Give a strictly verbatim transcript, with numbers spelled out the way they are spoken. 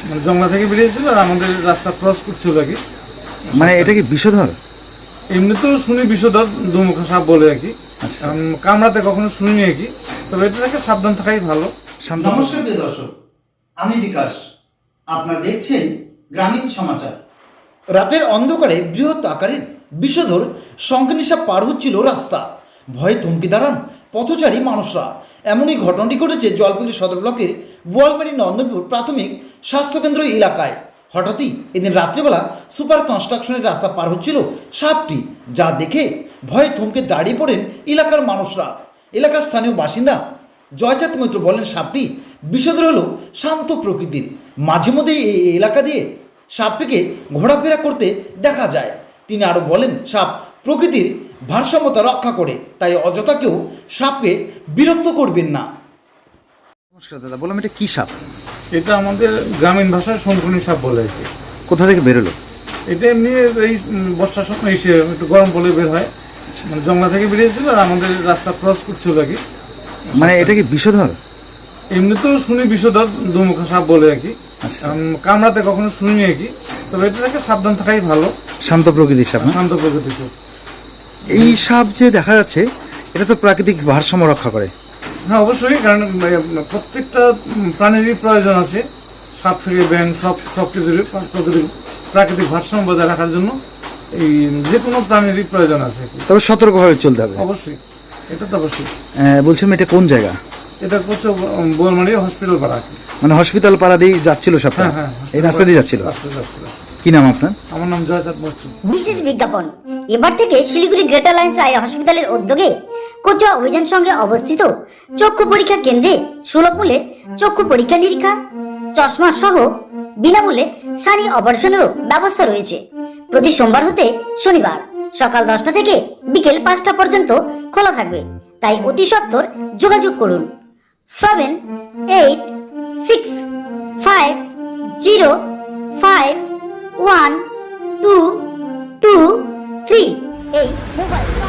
মানে জঙ্গলা থেকে বেরিয়েছিল আর আমাদের রাস্তা ক্রস করছিল আর কি। মানে এটা কি বিষধর? এমনি তো শুনি বিষধর দুমুখা সাপ বলে আর কি, কামড়াতে কখনো শুনিনি আর কি, তবে এটা থেকে সাবধান থাকাই ভালো। নমস্কার প্রিয় দর্শক, আমি বিকাশ, আপনারা দেখছেন গ্রামীণ সমাচার। রাতের অন্ধকারে বৃহৎ আকারের বিষধর শঙ্খনিশা পার হচ্ছিল রাস্তা, ভয়ে থমকে দাঁড়ান পথচারী মানুষরা। এমনই ঘটনাটি ঘটেছে জলপাইগুড়ি সদর ব্লকের বোয়ালমারি নন্দনপুর প্রাথমিক স্বাস্থ্যকেন্দ্র এলাকায়। হঠাৎই এদিন রাত্রিবেলা সুপার কনস্ট্রাকশনের রাস্তা পার হচ্ছিল সাপটি, যা দেখে ভয়ে থমকে দাঁড়িয়ে পড়েন এলাকার মানুষরা। এলাকার স্থানীয় বাসিন্দা জয়চাঁদ মৈত্র বলেন, সাপটি বিষধর হলো শান্ত প্রকৃতির, মাঝে মধ্যে এই এলাকা দিয়ে সাপটিকে ঘোরাফেরা করতে দেখা যায়। তিনি আরও বলেন, সাপ প্রকৃতির ভারসাম্যতা রক্ষা করে, তাই অযথা কেউ সাপকে বিরক্ত করবেন না। নমস্কার দাদা, বললাম এটা কি সাপ? এটা আমাদের গ্রামীণ ভাষায় শঙ্কুনি সাপ বলে আর কি। কোথা থেকে বেরোলো? এটা এমনি এই বর্ষার সময় এসে একটু গরম পড়লে বের হয়, মানে জঙ্গলা থেকে বেরিয়েছিল আর আমাদের রাস্তা ক্রস করছিল আর কি। মানে এটা কি বিষধর? এমনি তো শুনি বিষধর দুমুখা সাপ বলে আর কি, কামড়াতে কখনো শুনিনি আর কি, তবে এটা থেকে সাবধান থাকাই ভালো। শান্ত প্রকৃতির সাপ? শান্ত প্রকৃতির সাপ। এই সাপ যে দেখা যাচ্ছে, এটা তো প্রাকৃতিক ভারসাম্য রক্ষা করে। হ্যাঁ অবশ্যই, কারণ প্রত্যেকটা প্রাণীরই প্রয়োজন আছে, সাপ থেকে ব্যাঙ সব সব কিছুরই প্রকৃতির প্রাকৃতিক ভারসাম্য বজায় রাখার জন্য এই যে কোনো প্রাণীরই প্রয়োজন আছে। তবে সতর্কভাবে চলতে হবে। অবশ্যই, এটা তো অবশ্যই। বলছিলাম এটা কোন জায়গা? এটা হচ্ছে বোয়ালমারি হসপিটাল পাড়া। মানে হসপিটাল পাড়া দিয়ে যাচ্ছিল সাপটা? হ্যাঁ হ্যাঁ, এই রাস্তা দিয়ে যাচ্ছিল। রাস্তা যাচ্ছিল। কি নাম আপনার? আমার নাম জয়চাঁদ মৈত্র। বিশেষ বিজ্ঞাপন, এবার থেকে শিলিগুড়ি গ্রেটার লাইন্স আই হসপিটালের উদ্যোগে কোচুয়া অভিযান সঙ্গে অবস্থিত চক্ষু পরীক্ষা কেন্দ্রে সুলভ মূল্যে চক্ষু পরীক্ষা নিরীক্ষা, চশমা সহ বিনামূল্যে সানি অপারেশনেরও ব্যবস্থা রয়েছে। প্রতি সোমবার হতে শনিবার সকাল দশটা থেকে বিকেল পাঁচটা পর্যন্ত খোলা থাকবে, তাই অতি সত্বর যোগাযোগ করুন seven eight six five zero five one two two three এই মোবাইল